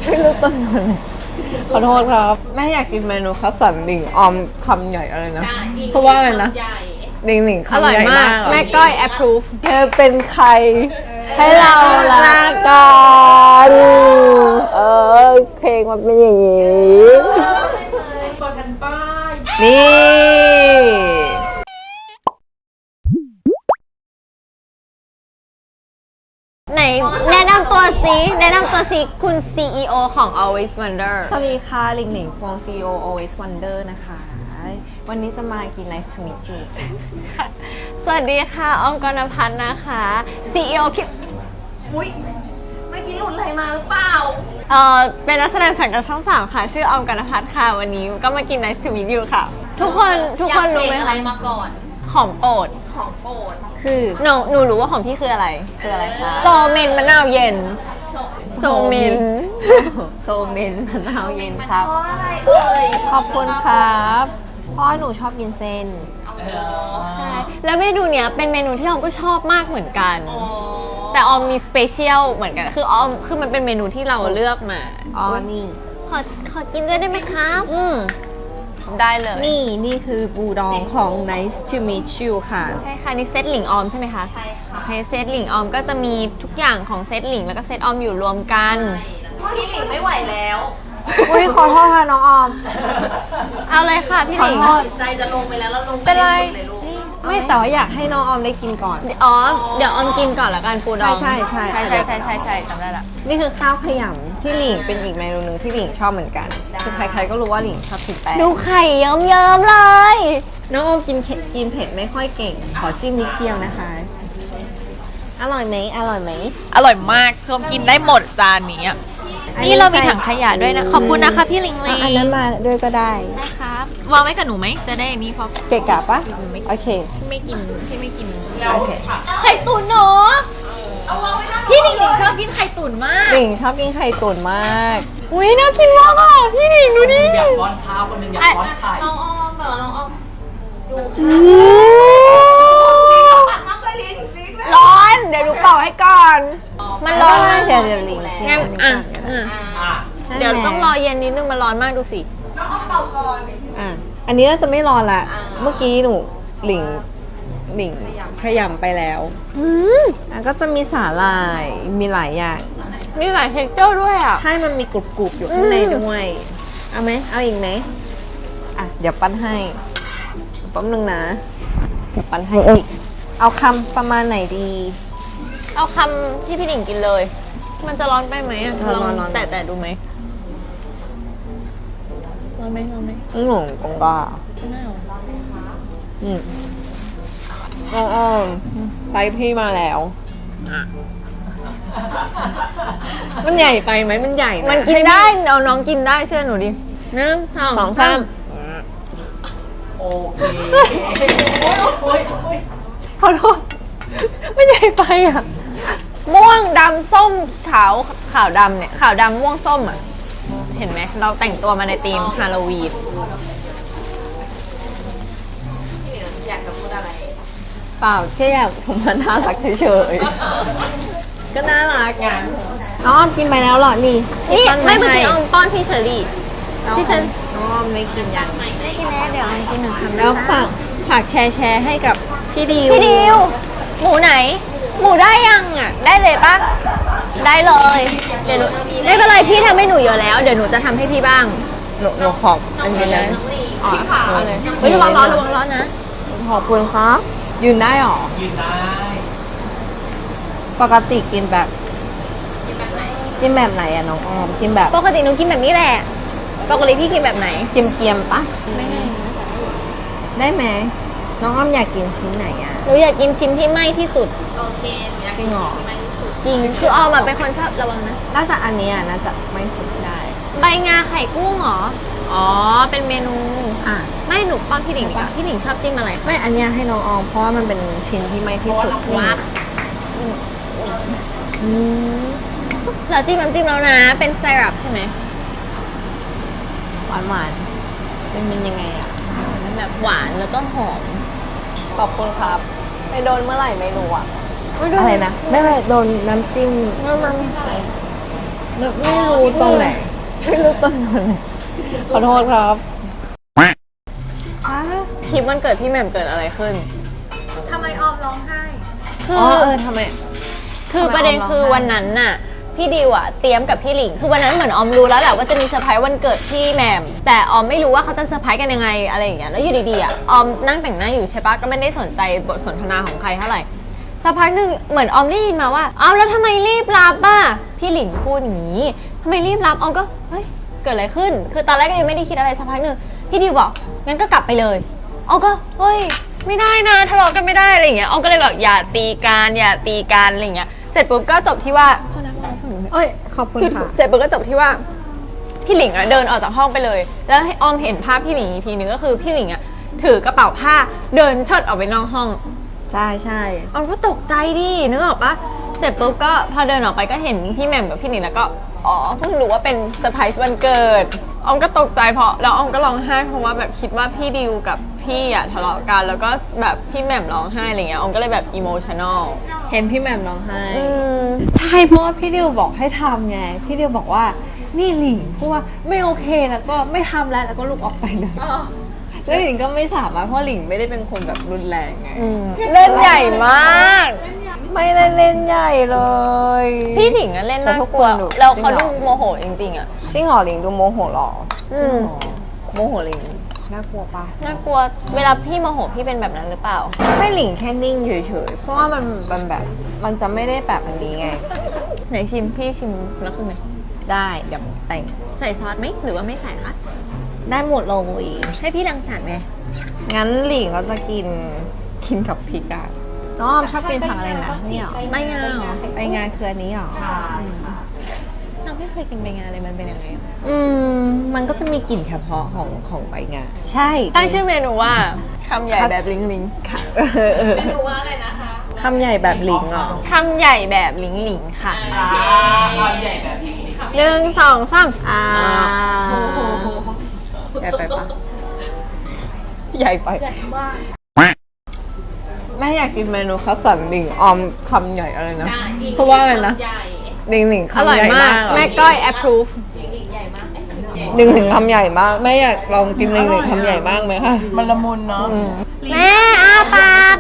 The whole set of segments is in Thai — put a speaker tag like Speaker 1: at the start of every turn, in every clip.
Speaker 1: ไม่รู้ต้นอะไรขอโทษครับแม่อยากกินเมนูคัสสันหลิงออมคำใหญ่อะไรนะเพราะว่าอะไรนะหลิงหลิงคำใหญ่มาก
Speaker 2: แม่ก้อย approve
Speaker 1: เธอเป็นใครให้เรารักกันเพลงมันเป็นอย่างนี้นี่
Speaker 2: ไหนแนะนำตัวสิคุณ CEO ของ Always Wonder
Speaker 1: สวัสดีค่ะหลิงหลิงพวง CEO Always Wonder นะคะ วันนี้จะมากิน Nice to meet you
Speaker 2: สวัสดีค่ะออมกรณพัฒน์นะคะ CEO คิว
Speaker 3: อุ้ยเมื่อกี้หลุดอะไรมาหรือเปล่า
Speaker 2: เป็นนักแสดงสังกัดช่อง 3 ค่ะ ชื่อออมกรณพัฒน์ค่ะ วันนี้ก็มากิน Nice to meet you ค่ะ ทุกคนรู้ไหม
Speaker 3: อะไร
Speaker 2: คะ
Speaker 3: มาก่อน
Speaker 2: ของโปรด
Speaker 3: ของโปรด
Speaker 1: คือ
Speaker 2: หนูรู้ว่าของพี่คืออะไร
Speaker 1: คืออะไรคะ
Speaker 2: โซเมนมะนาวเย็น โซเมน
Speaker 1: โซเมนมะนาวเย็นครับ
Speaker 3: เพราะอะไรเอ่ย
Speaker 1: ขอบคุณครับเพราะหนูชอบกินเส้น
Speaker 2: ใช่ แล้วเมนูเนี้ยเป็นเมนูที่ออมก็ชอบมากเหมือนกัน แต่ออมมีสเปเชียลเหมือนกัน คือมันเป็นเมนูที่เราเลือกมา
Speaker 1: อ๋อ นี่
Speaker 2: ขอกินด้วยได้ไหมครับได้เลย
Speaker 1: นี่คือบูดองของ Nice to meet you ค่ะ
Speaker 2: ใช่ค่ะ นี่เซตหลิงออมใช่ไหมคะ
Speaker 3: ใช่ค่ะ
Speaker 2: โอเคเซตหลิงออมก็จะมีทุกอย่างของเซตหลิงแล้วก็เซตออมอยู่รวมกัน
Speaker 3: พี่หลิงไม่ไหวแล้ว
Speaker 1: อุ้ยขอโทษค่ะน้องออม
Speaker 2: เอาเลยค่ะพี่หลิง
Speaker 1: ขอโทษ
Speaker 3: จิตใจจะลงไปแล้วลง
Speaker 2: เป็นไร
Speaker 3: เลยลูก
Speaker 1: ไม่แต่ว่าอยากให้น้องออมได้กินก่อน
Speaker 2: อ๋อ เดี๋ยวออมกินก่อนละกันปูดอง
Speaker 1: ใช่
Speaker 2: จำได้ละ
Speaker 1: นี่คือข้าวขยำที่หลิงเป็นอีกเมนูหนึงที่หลิงชอบเหมือนกัน คือใครๆก็รู้ว่าหลิงชอบกินแป้ง
Speaker 2: ดูไข่เยิ้มๆเลย
Speaker 1: น้องออมกินเผ็ดไม่ค่อยเก่ง ขอจิ้มนิดเดียวนะคะ อร่อยไหม
Speaker 4: อร่อยมากคือกินได้หมดจานนี้อะนี่เรามีถังขยะด้วยนะ ขอบคุณนะคะพี่ลิงลี
Speaker 1: อันนั้นมาด้วยก็ได้
Speaker 4: ครับวางไว้กับหนูไหม จะได้อันนี้เพราะ
Speaker 1: เกะกะปะโอเค
Speaker 4: พี่ไม่กิน
Speaker 1: โอเค
Speaker 4: ไข่ตุ๋นเนาะพี่ลิงลีชอบกินไข่ตุ๋นมาก
Speaker 1: หลิงชอบกินไข่ตุ๋นมาก อุ้ยน่ากินมากอ่ะพี่หลิงดูดิ
Speaker 5: อยากป้อนข้าวคนหนึ่งอยากป้อนไข่
Speaker 3: น้องออมเหรอน้องออม
Speaker 2: ร้อน เดี๋ยวดูเป่าให้ก่อน มันร้อนมาก
Speaker 1: เดี๋ยวหลิง
Speaker 2: งั้นอ่ะ
Speaker 5: อ่ะ
Speaker 2: เดี๋ยวต้องรอเย็นนิดนึงมันร้อนมากดูสิ
Speaker 1: อ่ะอันนี้น่าจะไม่รอละ เมื่อกี้หนูหลิงขยำไปแล้วอ่ะก็จะมีสาหร่าย มีหลายอย่าง
Speaker 2: มีหลายเท็กเจอร์ด้วยอ่ะ
Speaker 1: ใช่มันมีกรุบๆอยู่ข้างในด้วย เอาไหม เอาอีกไหมอ่ะ เดี๋ยวปั้นให้แป๊บนึงนะ เดี๋ยวปั้นให้อีก เอาคำประมาณไหนดี
Speaker 2: เอาคำที่พี่หลิงกินเลย มันจะร้อนไปไหมอ่ะ
Speaker 1: ร้อน
Speaker 2: ลอง
Speaker 1: ร้อน
Speaker 2: แต่ดูไหมร้อนไหม
Speaker 1: หนูกงก้า
Speaker 2: ไม่เอา
Speaker 1: อ้อมไปพี่มาแล้ว มันใหญ่ไปไหมมันใหญ่ะ
Speaker 2: มันกินได้เอาน้องกินได้เชื่อหนูดิหนึ่ง
Speaker 1: สองสาม
Speaker 5: โอเค
Speaker 1: ขอโทษมันใหญ่ไปอ่ะ
Speaker 2: ม่วงดำส้มขาวดำเนี่ยขาวดำม่วงส้มอ่ะ เห็นไหมเราแต่งตัวมาในธีมฮาโลวีน
Speaker 3: อยากจะพูดอะไร
Speaker 1: เปล่าแค่อยากผมมันน่ารักเฉยๆ ก็น่ารักไงน้องอ้อมกินไปแล้วเหรอ นี่
Speaker 2: นี่
Speaker 1: ปั้
Speaker 2: ไม่เมื่อกี้
Speaker 1: ให้
Speaker 2: เอาป้อนพี่เชอรี่ พี่เชอ
Speaker 1: น้องอ้อมไม่กินยัง
Speaker 2: ไม่กินแล้วเดี๋ยวเอากินหนึ่งคำ
Speaker 1: แล้วฝากแชร์ให้กับพี่ดิว
Speaker 2: พี่ดิว หมูไหน หมูได้ยังอ่ะ ได้เลยปะได้เลย เดี๋ยวหนูไม่เป็นไรพี่ทำให้หนูเยอะแล้ว เดี๋ยวหนูจะทำให้พี่บ้าง
Speaker 1: หนูขอบอันนี้นะ
Speaker 2: อ๋อเอาเลยเฮ้ยระวังร้อนนะ
Speaker 1: ขอบคุณครับยืนได้หรอ
Speaker 5: ยืนได้
Speaker 1: ปกติกินแบบกินแบบไหนอะน้องออมกินแบบ
Speaker 2: ปกติหนูกินแบบนี้แหละ ปกติพี่กินแบบไหน
Speaker 1: เกียมๆปะได้ไหมน้องอ้อมอยากกินชิ้นไหนอะ
Speaker 2: หนูอยากกินชิ้นที่ไหม้ที่สุด
Speaker 3: โอเคอยาก
Speaker 1: จริงเหรอ
Speaker 2: จริง คือออมอะเป็นคนชอบระวังนะ
Speaker 1: น่าจะอันนี้อะน่าจะไม่สุดได้
Speaker 2: ใบงาไข่กุ้งเหรอ อ๋อ เป็นเมนู
Speaker 1: อ่ะ
Speaker 2: ไม่หนูป้อนพี่หลิงดีกว่าพี่หลิงชอบจิ้มอะไรคะ
Speaker 1: ไม่อันเนี้ยให้น้องออมเพราะว่ามันเป็นชิ้นที่ไม่ที่สุด
Speaker 2: วับเราจิ้มน้ำจิ้มแล้วนะ เป็นไซรัปใช่ไหม
Speaker 1: หวานๆเป็นยังไงอะ
Speaker 2: แบบหวานแล้วก็หอม
Speaker 1: ขอบคุณครับไปโดนเมื่อไหร่ไม่รู้อะอะไรนะไม่โดนน้ำจิ้มโดไม่รู้ตรงไหน ไม่รู้ตรงไหนขอโทษครับ
Speaker 2: คลิปวันเกิดพี่แหม่มเกิดอะไรขึ้น
Speaker 3: ทำไมออมร้องไห้
Speaker 2: คือ
Speaker 1: อ๋อทำไม
Speaker 2: คือประเด็นคือวันนั้นน่ะพี่ดิวอะเตรียมกับพี่หลิงคือวันนั้นเหมือนออมรู้แล้วแหละว่าจะมีเซอร์ไพรส์วันเกิดพี่แหม่มแต่ออมไม่รู้ว่าเขาจะเซอร์ไพรส์กันยังไงอะไรอย่างเงี้ยแล้วอยู่ดีๆอะออมนั่งแต่งหน้าอยู่ใช่ปะก็ไม่ได้สนใจบทสนทนาของใครเท่าไหร่สักพักหนึ่งเหมือนออมได้ยินมาว่าออมแล้วทำไมรีบรับอ่ะพี่หลิงพูดอย่างนี้ทำไมรีบรับออมก็เฮ้ยเกิดอะไรขึ้น คือตอนแรกก็ยังไม่ได้คิดอะไรสักพักหนึ่งพี่ดิวบอกงั้นก็กลับไปเลยออมก็เฮ้ยไม่ได้นะทะเลาะกันไม่ได้อะไรอย่างเงี้ยออมก็เลยแบบอย่าตีกันอะไรอย่างเงี้ยเสร็จปุ๊บก็จบที่ว่า
Speaker 1: เอ้ย ขอบคุณค่ะ
Speaker 2: เสร็จปุ๊บก็จบที่ว่าพี่หลิงอะเดินออกจากห้องไปเลย แล้วให้ออมเห็นภาพพี่หลิงอีกทีนึงก็คือพี่หลิงอะถือกระเป๋าผ้าเดินเชิดออกไปนอกห้อง
Speaker 1: ใช่ใช่
Speaker 2: ออมก็ตกใจดินึกออกปะเสร็จปุ๊บก็พอเดินออกไปก็เห็นพี่แหม่มกับพี่หลิงแล้วก็อ๋อเพิ่งรู้ว่าเป็นเซอร์ไพรส์วันเกิดออมก็ตกใจเพราะแล้วออมก็ร้องไห้เพราะว่าแบบคิดว่าพี่ดิวกับพี่อะทะเลาะกันแล้วก็แบบพี่แหม่มร้องไห้อะไรเงี้ยออมก็เลยแบบอิโมชันอล
Speaker 1: เห็นพี่แหม่มร้องไห้ใช่เพราะว่าพี่ดิวบอกให้ทำไง พี่ดิวบอกว่านี่หลิงพูดว่าไม่โอเคแล้วก็ไม่ทำแล้วก็ลุกออกไปเลยแล้วหลิงก็ไม่สามารถเพราะหลิงไม่ได้เป็นคนแบบรุนแรงไง
Speaker 2: เล่นใหญ่มาก
Speaker 1: ไม่ได้เล่นใหญ่เลย
Speaker 2: พี่หลิงอะเล่นน่ากลัว
Speaker 1: แต่ทุกคนดู
Speaker 2: แล้วเขาดูโมโหจริงๆอะ
Speaker 1: จริงเหรอหลิงดูโมโหเหรอ
Speaker 2: อืม
Speaker 1: โมโหหลิงน่ากลัวปะ
Speaker 2: น่ากลัวเวลาพี่โมโหพี่เป็นแบบนั้นหรือเปล่า
Speaker 1: ไม่หลิงแค่นิ่งเฉยๆเพราะว่ามันแบบมันจะไม่ได้แบบอันนี้ไง
Speaker 2: ไหนชิมพี่ชิมคนละครึ่งไหม
Speaker 1: ได้เดี๋ยวแต่ง
Speaker 2: ใส่ซอสไหมหรือว่าไม่ใส่คะ
Speaker 1: ได้หมดเลย
Speaker 2: ให้พี่รังสรรค์ไง
Speaker 1: งั้นหลิงก็จะกินกับพริกอะน้องออมชอบกินผักอะไรนะนี่หรอ
Speaker 2: ไม่งาเหรอ
Speaker 1: ไปงานคืออันนี้หรอ
Speaker 2: น้องไม่เคยกินใบงาเลยมันเป็นยังไง
Speaker 1: มันก็จะมีกลิ่นเฉพาะของใบงาใช่
Speaker 2: ตั้งชื่อเมนูว่าคำใหญ่แบบลิงลิง
Speaker 1: ค่ะ
Speaker 3: ไม่รู้ว่าอะไรนะคะ
Speaker 1: คำใหญ่แบบหลิงเหรอ
Speaker 2: คำใหญ่แบบลิงลิงค่ะ
Speaker 5: ความใหญ่แบบนี้
Speaker 2: 1 2 3
Speaker 1: ใหญ่ไปปะใหญ่ไปไม่อยากกินเมนูข้าวสันหลิงออมคำใหญ่อะไรนะเพราะว่าอะไรนะ
Speaker 3: ใหญ่
Speaker 1: หลิงหลิง
Speaker 2: อ
Speaker 1: คำ
Speaker 2: ร่อย
Speaker 1: ใหญ่
Speaker 2: มาก
Speaker 1: เหรอ
Speaker 2: แม่ก้อย approve
Speaker 3: ใหญ่มากเอ๊ะ
Speaker 1: หลิงหลิงคำใหญ่มากแม่อยากลองกินหลิงหลิงคำใหญ่มากไหมคะ
Speaker 5: มันละมุนเนาะ
Speaker 2: แม่อาปาก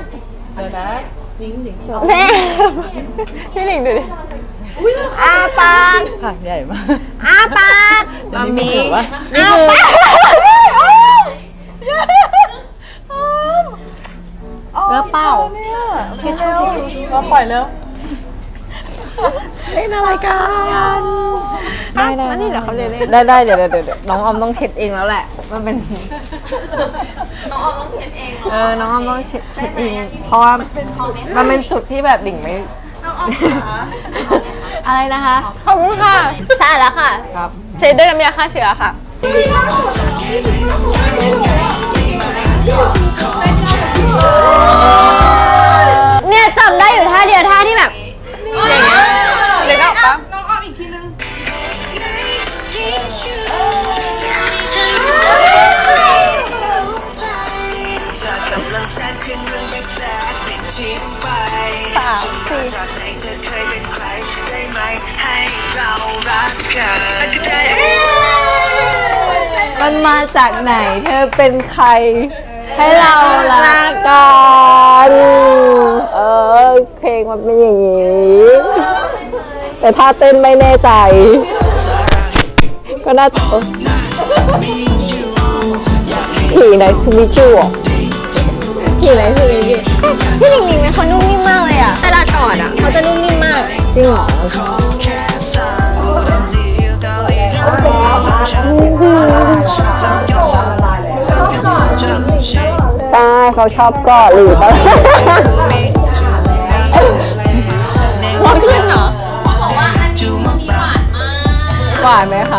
Speaker 2: แม่พี่หลิงดูดิอาปาก
Speaker 1: ผักใหญ่มาก
Speaker 2: อาปาก
Speaker 1: มามี
Speaker 2: อา
Speaker 1: นี่คือ
Speaker 2: ปาก
Speaker 1: เลือเปล่าทิชชู่ก็ปล่อยแล้วเล่นอะไรกันได้ได้
Speaker 2: นี่เหรอเขาเรียนเล่น
Speaker 1: ได้เดี๋ยวน้องออมต้องเช็ดเองแล้วแหละ มันเป็น
Speaker 3: น้องออมต้องเช็ดเองเหรอ
Speaker 1: น้องออมต้องเช็ดเอง เพราะว่ามันเป็นจุดที่แบบดิ่งไม่ อะไรนะคะ
Speaker 2: ขอบคุณค่ะสะอาดแล้วค่ะ
Speaker 1: ครับ
Speaker 2: เช็ดด้วยน้ำยาฆ่าเชื้อค่ะ เนี่ยจำได้อยู่ท่าเดียวท่าที่แบบอย่างเงี้ยหรือก็ปะ
Speaker 1: มันมาจากไหน เธอเป็นใคร ให้เรารักกันเพลงมันเป็นอย่างนี้ แต่ถ้าเต้นไม่แน่ใจ ก็น่าจะพี่ไหนสมิจูอ่ะพี่ไหนสมิจู
Speaker 2: พี่หลิงหลิงเป็นคนนุ่มนิ่มมากเลยอ่ะเวลากอดอ่ะเขาจะนุ่มนิ่มมาก
Speaker 1: จริงเหรอใช่เขาชอบกอดหรือเปล่า
Speaker 2: ร้อนขึ้นเหรอ
Speaker 3: เขาบอกว่าอันนี้มันหวานมาก
Speaker 1: หวานไหมคะ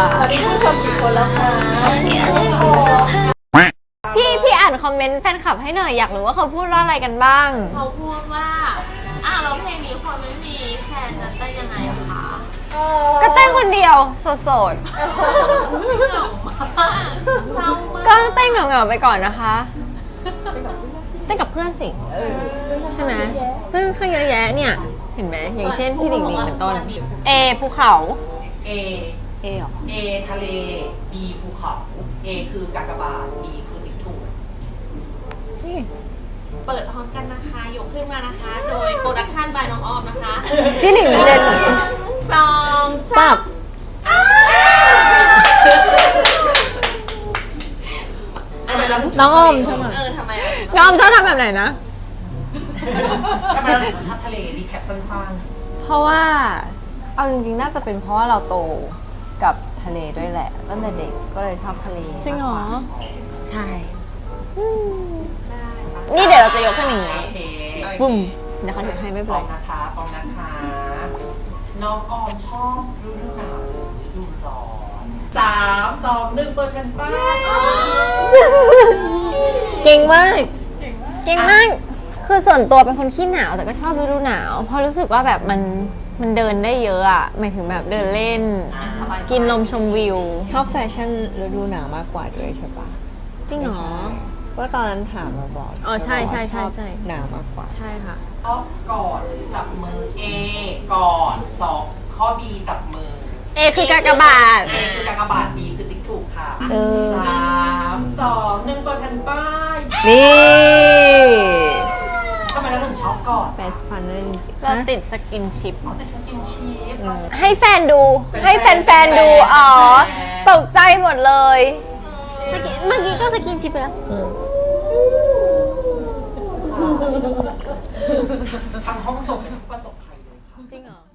Speaker 2: พี่อ่านคอมเมนต์แฟนคลับให้หน่อยอยากรู้ว่าเขาพูดว่าอะไรกันบ้าง
Speaker 3: เขาพูดว่าแล้วเพลงนี้คนไม่มีแฟนจะเต้นยังไงอะคะ
Speaker 2: ก็เต้นคนเดียวโสด
Speaker 3: เศร้ามาก
Speaker 2: ๆก็เต้นเหงาๆไปก่อนนะคะ เต้นกับเพื่อนสิใช่ไหมเพื่อนข้างเยอะแยะเนี่ย เห็นไหมอย่างเช่นพี่หลิงหลิงเป็นต้น ภูเขา
Speaker 5: A
Speaker 1: เอหรอ
Speaker 5: A ทะเล B ภูเขา A คือกากบาท B คือติ๊กถูก
Speaker 1: นี่
Speaker 3: เปิดพร้อมกันนะคะ ยกขึ้นมานะคะ โดยโปรดักชั่นบายน้องออมนะคะ
Speaker 1: พี่หลิงเล่น
Speaker 3: สอง
Speaker 1: สับ
Speaker 5: ทำไมเราถึ
Speaker 1: น้องออมทำไม
Speaker 3: ทำไมอ่ะ
Speaker 2: น้องออมชอบทำแบบไหนนะ
Speaker 5: ทำไมเราถึงชอบทะเลรีแคปสั้น
Speaker 1: เพราะว่าเอาจริงๆน่าจะเป็นเพราะว่าเราโตกับทะเลด้วยแหละตั้งแต่เด็กก็เลยชอบทะเล
Speaker 2: จริงเหรอ
Speaker 1: มากกว่าใช่
Speaker 2: นี่เดี๋ยวเราจะยกขึ้นอย่าง
Speaker 5: ๆ
Speaker 2: นี้
Speaker 5: โอเค
Speaker 2: ฟึ่มเดี๋ยวเขาถือให้ไม่
Speaker 5: ป
Speaker 2: เป็น
Speaker 5: อ
Speaker 2: ไร
Speaker 5: งนะคะปองนะคะ น้องออมชอบฤดูหนาวหรือฤดูร้อน3 2 1 เปิดแผ่นป้าย
Speaker 1: เก่งมาก
Speaker 2: เก่งมาก คือส่วนตัวเป็นคนขี้หนาวแต่ก็ชอบฤดูหนาว เพราะรู้สึกว่าแบบมันเดินได้เยอะอะหมายถึงแบบเดินเล่น กินลมชมวิว
Speaker 1: ชอบแฟชั่นฤดูหนาวมากกว่าด้วยใช่ปะ
Speaker 2: จริงเหรอ
Speaker 1: ก็ตอนนั้นถามมาบอก
Speaker 2: อ๋อใช่
Speaker 1: บอกว่า
Speaker 2: ใช่ใช่
Speaker 1: ชอบ
Speaker 2: ใช่
Speaker 1: หนาวมากกว่า
Speaker 2: ใช่ค่ะ
Speaker 5: ชอบก่อนหรือจับมือ A ก่อน2ข้อ B จับมือ
Speaker 2: เอคือกากบาท
Speaker 5: A คือกากบาท B คือติ๊กถูกค่ะ
Speaker 1: เออ
Speaker 5: 3 2 1 เปิดแผ่นป้าย
Speaker 1: นี่
Speaker 5: ทำไมเราถึงชอบก่อน
Speaker 1: เบสฟันเลยจริงๆ
Speaker 2: เรา
Speaker 1: ฮะ
Speaker 2: ติดสกินชิป
Speaker 5: อ๋อแต่สกินชีฟ
Speaker 2: ให้แฟนดู ให้แฟนๆดู อ๋อ ตกใจหมดเลยเมื่อกี้ก็สกินชิปไปแล้ว
Speaker 5: ทางห้องส่งเป็นผู้ประสบภัยเลยค่ะ
Speaker 2: จริงเหรอ